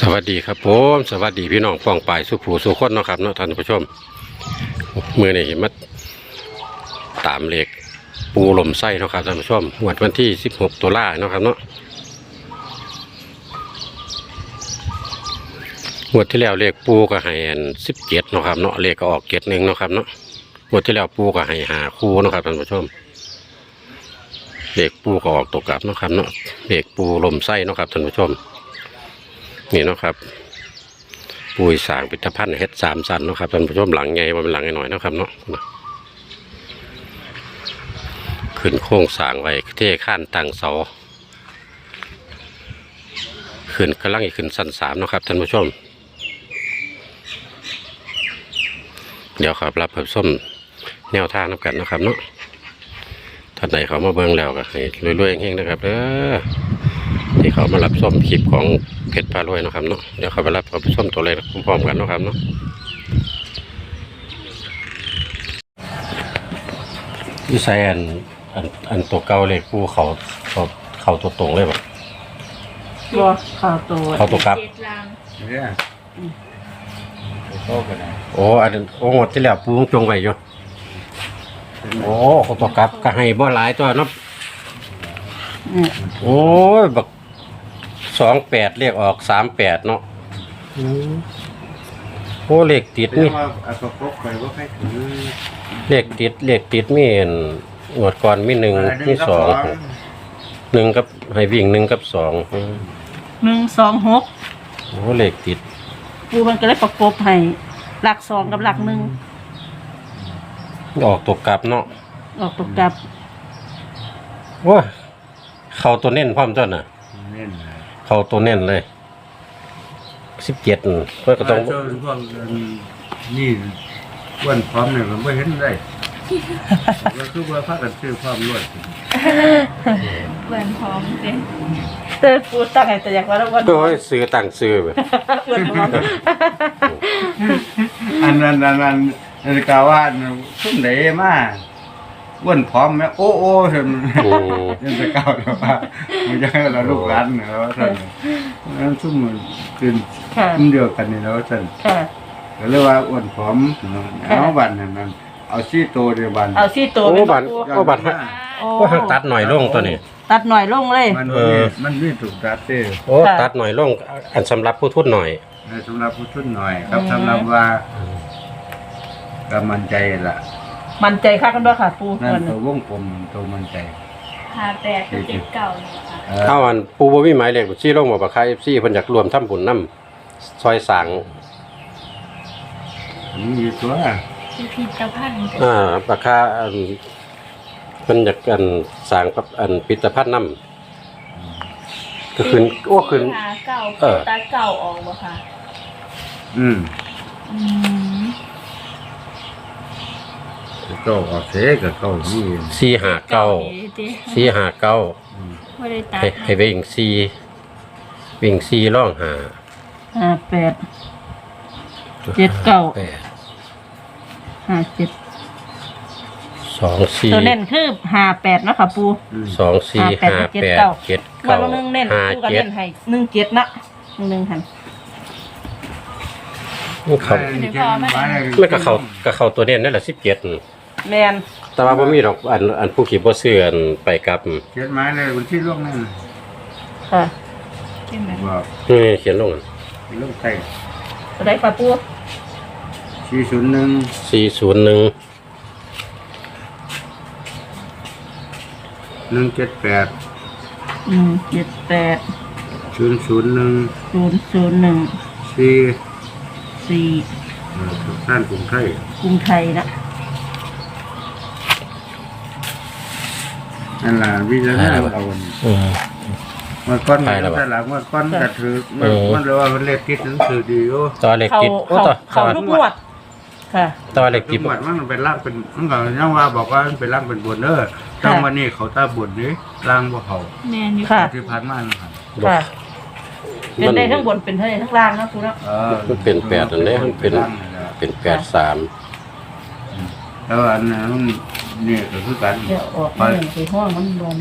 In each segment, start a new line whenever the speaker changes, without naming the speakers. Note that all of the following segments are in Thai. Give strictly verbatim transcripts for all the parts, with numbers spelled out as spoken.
วัสดีครับผมสวัสดีพี่น้องป้องปายสุภูสุคนเนาะครับเนาะท่านผู้ชมเมื่อนี้มาตามเลขปูลมไส้เนาะครับท่านผู้ชมงวดวันที่สิบหกตุลาเนาะครับเนาะงวดที่แล้วเลขปูก็ให้สิบเจ็ดเนาะครับเนาะเลขก็ออกเจ็ดหนึ่งเนาะครับเนาะงวดที่แล้วปูก็ให้หาคู่เนาะครับท่านผู้ชมเลขปูก็ออกตกกลับเนาะครับเนาะเลขปูลมไส้เนาะครับท่านผู้ชมนี่เนาะครับปุยสางพิพิธภัณฑ์เฮ็ดสามสันเนาะครับท่านผู้ชมหลังใหญ่ว่าเป็นหลังหน่อยนะครับเนาะขึ้นโค้งสางไว้เท่ข้านต่างเสาขึ้นกำลังอีกขึ้นสันสามเนาะครับท่านผู้ชมเดี๋ยวครับรับผสมแนวทางนับกันนะครับเนาะท่านใดเขามาเบิ่งแล้วก็ให้รวยๆเฮงๆนะครับเด้อที่เขามารับส้มคลิปของเพชรพารวยนะครับเนาะเดี๋ยวเขาไปรับกับส้มตัวเล็กพร้อมๆกันนะครับเนาะที่ใส่อันอันอันตัวเก่าเลยกูเขาเขาเขาตัวตรงเลยแบบ
บ่เขาตัว
เขาตัวกลับ
เนี่ยโตกันนะ
โอ้อันโอ้หมดที่แล้วปูจงไว้อยู่โอ้เขาตัวกลับก็ให้บ่หลายตัวเนาะโอ้ยบักสองแปดเรียกออกสามแปดเนาะโอ้เลขติดนี่เลขติดเลขติดมีหนวดก่อนมีหนึ่งมีสองหนึ่งกับให้วิ่งหนึ่งกับสอง
หนึ่งสองหก
โอ้เลขติด
ปูมันก็เลยประกบให้หลักสองกับหลักหนึ่ง
ออกตกกลับเนาะ
ออกตกกลับ
ว้าเขาตัวเน้นพร้อมต้นน่ะเขาตัวเน้นเลยสิบเจ็ดเพื่อก็ต้อง
พวกนี่วันพร้อมเนี่ยมันไม่เห็นได้ก็คือว่าพากันซื้อความรวด
วันพร้อมสิเตอปูตั้งไงแต่อยากว่าแล้ววัน
โดยซื้อตั้งซื้อแบบ
อันนั้นอันนั้นนาฬิกาว่าทุ่มไหนมาอ้วนพร้อมไหมโอ้โอ้ท่านยังจะเก่าแต่ว่ามันจะให้เราลูกหลานเนี่ยแล้วท่านนั้นทุ่มมันคืนทุ่มเดียวกันนี่แล้วท่านก็เรียกว่าอ้วนพร้อมเอาบันนั้นเอาซี่โตเดียวบัน
เอาซี่โต
โอ้บันโอ้บันโอ้ตัดหน่อยลงตัวนี้
ตัดหน่อยลงเลย
มันมันไม่ถูกตัดเต้
โอ้ตัดหน่อยลงอันสำหรับผู้ทุนหน่อย
สำหรับผู้ทุนหน่อยครับสำหรับว่าก็มั่นใจละ
มั่นใจค่ะกันด้วยค่ะปู
นั่นตัววงกลมตัวมั่นใจ
ห้าแปดเจ็ดเก้านี่
ค่ะเอาอันปูบ่มีหมายเลขบัญชีลงบ่ปากคา เอฟ ซี เพิ่นอยากรวมทำบุญนำซอยสาง
มีตัว
พิพิธภัณฑ์
อ่าปากคาอันเพิ่นอยากอันสร้างกับอันพิพิธภัณฑ์นำก็ขึ้นโอ้ขึ้น
เก่าเออตาเก่าออกบ่ค่ะ
อืมอืมเก้าออกเสกับเก้านี่
สี่ห้าเก้าสี่ห้าเก้าให้วิ่งสี่วิ่งสี่ร่องหา
ห้าแปดเจ็ดเก้าห้าเจ็ด
สองสี่
ตัวเน้นคือห้าแปดนะคะปู
สองสี่ห้าแปดเจ็ดเก้า
หนึ่งเน้นปูกันเน้นให้หนึ่งเจ็ดนะหนึ่งหนึ่งหัน
เขาไม่กระเขากระเขาตัวเน้นนั่นแหละสิบเจ็ด
แมน
แต่ว่าบ่มีดอกอันอันผู้ขี่บ่เสื่อนไปกับ
เขียนไม้เลยวันที่ล่วงนั่น
ค่ะ
เขียนแบบนี่เขียนลง
ลงใส่
ตัวใดปลาปู
สี่ศูนย์หนึ่ง
สี่ศูนย์หนึ่ง
หนึ่งเจ็ดแปด
หนึ่งเจ็ดแปด
ศูนย์ศูนย์หนึ่ง
ศูนย์ศูนย์หนึ่ง
สี่
สี่
ท่านกรุงไทย
กรุงไทยนะ
นั่นแหละวิจารณ์เราเมื่อก้อนมันแต่หลังเมื่อก้อนกระถือมันเรียกว่าเล็กติดหนังสือดีโอ้
ตัวเล็กติด
โอ้ตัวเขาทุกงวดค่ะ
ตัวเล็กติด
หมดมันเป็นร่างเป็นมันก็ยังว่าบอกว่ามันเป็นร่างเป็นบนเด้อตั้งวันนี้เขาตาบนนี้ร่างบ่เขา
แมนอยู่ค่ะ
ที่ผ่านมานะครับ
ค่ะเป็นได้ทั้งบนเป็นเท่าไหร่ทั้งล่างนะคุณนะ
มันเป็นแปดอันนี้มันเป็นเป็นแปดสาม
แล้วอันนั้นนี่ก็คือกัน
เดี๋ยวออกไปห้องมันโดน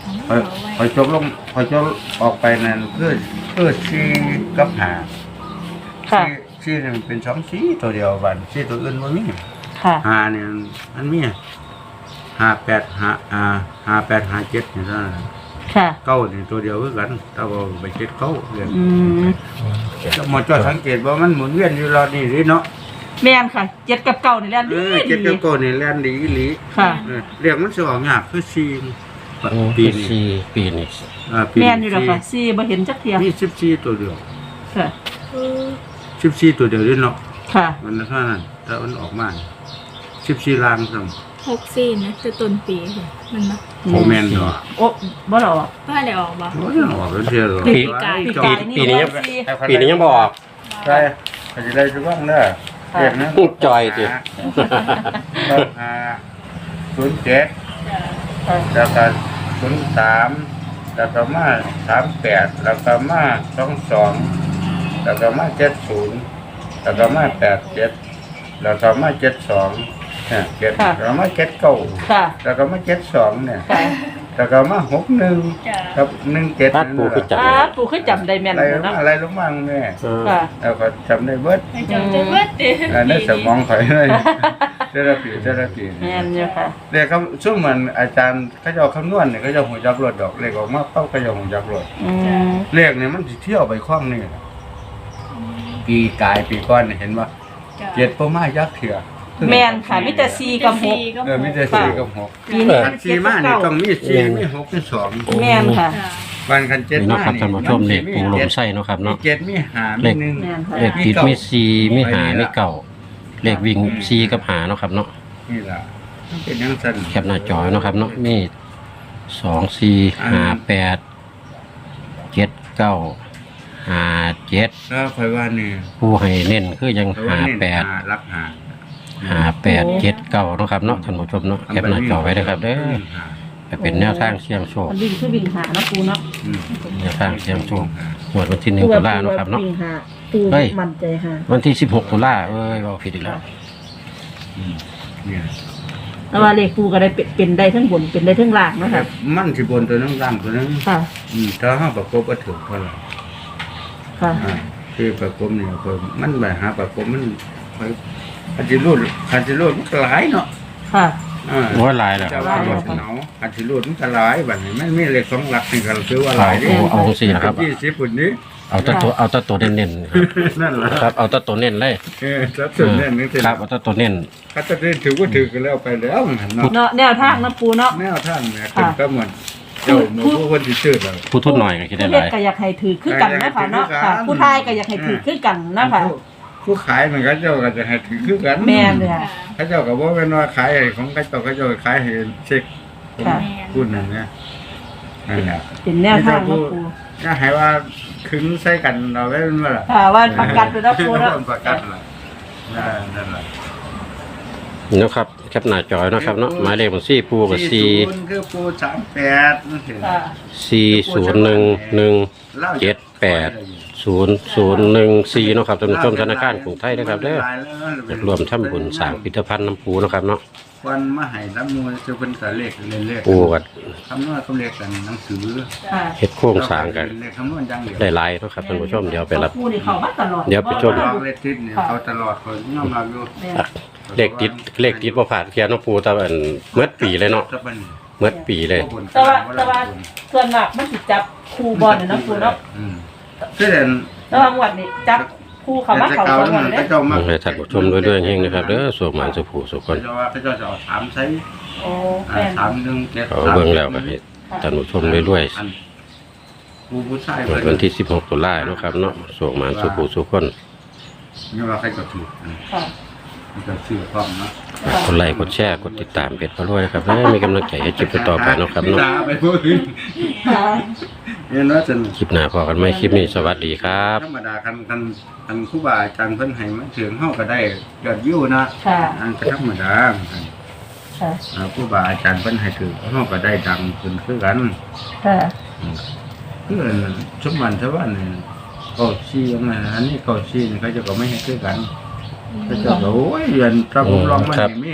พอพอจบลงพอจบออกไปนั่นเพื่อเพื่อซีกับหา
ค่ะ
ซีนี่มันเป็นสองสีตัวเดียวบันซีตัวอื่นมันมี
ค่ะ
หาเนี่ยมันมีห้าแปดห้าอ่าห้าแปดห้าเจ็ดนี่เท่านั้น
ค่ะ
เก้านี่ตัวเดียวคือกันถ้าว่าไปเจ็ดเก้าเรียน
อืม
หมดจอดสังเกตว่ามันหมุนเวียนอยู่รอนี่สิเนาะ
แม่นค่ะเจ็ดกับเก้านี่แหละ
เอ
ดี
อเจ็ด
ดี
กับเก้านี่แล่นดีอีหลี
ค่ะ
เออเรียกมันสิออกยากคือซี
โอ้
ปี
ปี
นี้
สี่ปีนี้
อ่าปี
แม่นอยู่แล้วค่ะสี่บ่เห็นจักเทีย
มีสิบสี่ตัวเดียว
ค่ะ
สิบสี่ตัวเดียวด้วยเนาะ
ค่ะ
มันเท่านั้นแต่มันออกมาสิบสี่ล้านซ้
หกสี่นะคือต้นปีค่ะมันมา
ำโอแมนดอก
โอ้บ่หรอก
ว่าอะไรออกบ่
โอ้ยออกแล้วเชียว
ปี
กาย
ปีปีนี้ยังปีนี้ยังบออก
ใช่เขาจะได้จะบ้างเด้อเรียกนั้น
จอยดิ
ต้องหาศูนย์เจ็ด
ค่ะ
แล้วก็ศูนย์สามแล้วก็มาสามแปดแล้วก็มาสองสองแล้วก็มาเจ็ดศูนย์แล้วก็มาแปดเจ็ดแล้วก็มาเจ็ดสองเนี่ยเจ็ดแล้วก็มาเจ็ดเก้า
ค่ะ
แล้วก็มาเจ็ดสองเนี่ย
ค่ะ
แล้วก็มาหกหนึ่งกับหนึ่งเจ็ด
ตัดปูคือจับ
อ่าปู่คือจำได้แม่น
อะไร
เลย
มา
เนาะ
อะไรลงมาแม่
เออ
ค่ะ
แล้วก็จำได้เบิด
ให้จำจะเบิดเด้
อันนั้นสมองข่อยเลยเทอราปีเทอราปี
แม่นอยู่ค่ะ
เรียกเขาช่วงมันอาจารย์เขาจะเอาคำนวณเนี่ยเขาจะหัวจักรถดอกเลขออกมาเป้าเขาจะหัวจักรถ
อืม
เลขเนี่ยมันสิเที่ยวไปคล้องนี่ล่ะปีกายปีก้อนเนี่ยเห็นว่าเจ็ดประมายักษ์เถื่อ
แม่นค่ะมีแต่สี่กับหก
เออมีแต่สี่กับหก
ปีนี้
คันสี่มาเนี่ยต้องมีสี่มีหกมีสอง
แม่นค่ะ
วันคันเจ็ด
นี่เนาะ
มา
ครับ
นี่
ท่านผู้ชมเลขปูลมไส้เนาะครับ
มี
เนาะ
เจ็ดมีหามีหนึ่ง
แม่นค่ะ
เลขติดมีสี่มีหามีเก่าเลขวิ่งสี่กับหาเนาะครับเนาะ
นี่ล่ะมันเป็นอยังสั้น
แคปหน้าจอเนาะครับเนาะมีสองสี่ห้าแปดเจ็ดเก้าห้าเจ็ด
แล้วคอยว่านี่
ผู้ให้เน้นคือยัง
คอยว่า
ห้า
นี่
แปด
หารักหา
ห้าแปดเจ็ดเก้าเนาะครับเนาะท่านผู้ชมเนาะแคปหน้าจอไว้เลยครับเด้อไปเป็นแนวทางเสี่ยงโชค
มันวิ่งคือวิ่งหาเนาะปูเนาะ
อืม
แนวทางเสี่ยงโชคงวดวันที่หนึ่งตุลาเนาะครับเนาะ
วิ่งหาปู
เฮ้ย
มั่นใจหา
วันที่สิบหกตุลาเอ้ยเราผิดอีกแล้ว
อืมเนี่ย
แต่ว่าเลขปูก็ได้เป็นเป็นได้ทั้งบนเป็นได้ทั้งล่างเนาะค่ะ
มันสิบนตัวนึงร่างตัวนึง
ค่ะ
อืมถ้าห้าประกบก็ถึงเท่าไหร่
ค่ะ
อ่าคือประกบเนี่ยคือมันไปหาประกบมันไปอันที่รูดอันที่รูดมันก็หลายเนาะ
ค่ะ
อ่า
โอ้ยหลายแล้วค
จะ
รับ
ว่า
ท่าน
ร
ผู้ชม
ถเหนาอันที่รูดมันก็หลายแบบนี้มันมีเลขสองหลักนี่ก็คือว่าหลายดิ
เอาเอาเอาสี่นะครับ
ยี่สิบปุ่นนี้
เอาแตัตัวเอาแตัตัวเน้นๆครับ
นั่นแหละ
ครับเอาแตัตัวเน้นเลย
เออจับส่วนเนี่ยนึกถึง
ครับเอาแตัตัวเน้น
ถ้าจะได้ถือก็ถือกันแล้วไปแล้วมันหันเนาะ
เนาะแนวทางเนาะปูเนาะ
แนวท่านเนี่ยเป็นก็เหมือนเจ้าหนูผู้คนที่ชื่อเรา
ผู้ทุนหน่อยก็คิดได้
ผู้
ห
เล่น
ลาย
ก็อยากให้ถือคือกันนะคะเนาะค่ะ ผู้ทายก็อยากให้ถือคือกันนะคะ
ผู้ขายมันก็เจ้าก็จะให้ถือคือกัน
แม่นเลยค่ะ
เขาเจ้าก็บอกเป็นว่าขายให้ของเขาเจ้าเขาเจ้าขายให้เช็ค
ค่ะ
พูดนั่นเนี่ยนั่นแหละ
เป็นแนวทางเนาะปู
ถ้าให้ว่าคึงใส่กันเราไว้เป็นว่าล่ะ
ค่ะว่าประกันไปแล้วปูเนาะ
ประกันล่ะนั่นแหละ
นี่นะครับแคปหน้าจอยนาะครับเนาะหมายเลขบัญชีปูกับสี่
ศูนย์คือปูสามแปดนั่นเอง
ค่ะ
สี่ศูนย์หนึ่งหนึ่งเจ็ดแปดศูนย์ศูนย์หนึ่งสี่เนาะครับท่านผู้ชมธนาคารกรุงไทยนะครับเด้ออยากรวมทำบุญสร้างพิพิธภัณฑ์น้ำปูเนาะครับเนาะ
วันมาให้น้ำมูลจะเป็นกับเลขเล่นเลข
ปูกับ
คำนวณเขาเลขกันหนังสือ
ค่ะ
เฮ็ดโครงสร้างกัน
เลขคำนวณอย่างเดียว
ได้หลายเนาะครับท่านผู้ชมเดี๋ยวไปรับ
ปูนี่เขามาตลอด
เดี๋ยวไปชม
ลองเลขทิศเนี่ยเขาตลอดคนย่อมรับอยู่
อ่ะเลขติดเลขติดบ่ผ่านเทียนเนาะปูแต่ว่าอันเมื่อปีเลยเนาะ
จะเป็น
เมื่อปีเลย
แต่ว่าแต่ว่าส่วนมากมันสิจับคู่บอลเนี่ยเนาะปูเนาะ
อืมคือเด่น
แต่ว่างวดนี้จับคู่เขามาเขา
เก่า
สอง
แล้ว
งว
มั
ด
น
เล
ก็
ย
จะมา
ให้ท่านผู้ชมด้วยด้วยๆเฮงนะครับเด้อสุขหมานสุขผู้สุขค
เขา
น
จะว่าเขาจะเอาถามใช้
โอ้
อ่า
แม่น
ถามเรื่องเจ็ด
เอาเบิ่งแล้วก็ให้ท่านผู้ชมด้วยด้วย
อันผู้ผู้ชาย
ๆวันที่สิบหกตุลาเนาะครับเนาะสุขหมานสุขผู้สุขคน
นี่ว่าใครก็ถูกอืม
ค่ะ
มันจะชื่อพร้อมเนาะ
กดไลค์กดแชร์กดติดตามเพจพระรวยนะครับให้มีกำลังใจให้คลิปต่อไปเนาะครับเนาะ
ตาไปพูดถึง
ค่ะ
เห็นว่าจน
คลิปหน้าพอกันไหมคลิปนี้สวัสดีครับ
ธรรมดาคันคันคันครูบาอาจารย์เพิ่นให้มาถึงเฮาก็ได้ยอดวิวนะ
ค่ะ
อันก็ธรรมดา
ค่ะ
อ่าครูบาอาจารย์เพิ่นให้ถึงเฮาก็ได้ดังขึ้นคือกัน
ค่ะ
คือชุมมันชาวบ้านนี่ก็ชี้ว่าไงอันนี้ก็ชี้นี่เขาจะก็ไม่ให้คือกันเขาจะก็โอ้ยเรียนพระผมลองมานี่มี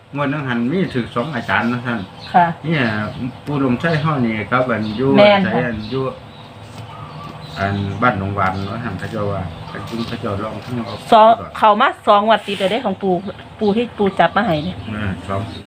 งวดนั้นหันมีถึงสองอาจารย์นะท่าน
ค่ะ
เนี่ยปูลมใช้เฮานี่ครับอันอยู่
แม่น
ใช้
ค่ะ
อันอยู่อันบ้านหนองหวานเนาะท่านพระเจ้าว่าพระจุงพระเจ้าลองทั้งเอา
สองเขามาสองวัดติดเลยได้ของปูปูที่ปูจับมาให้เนี่ย
อ่าสอง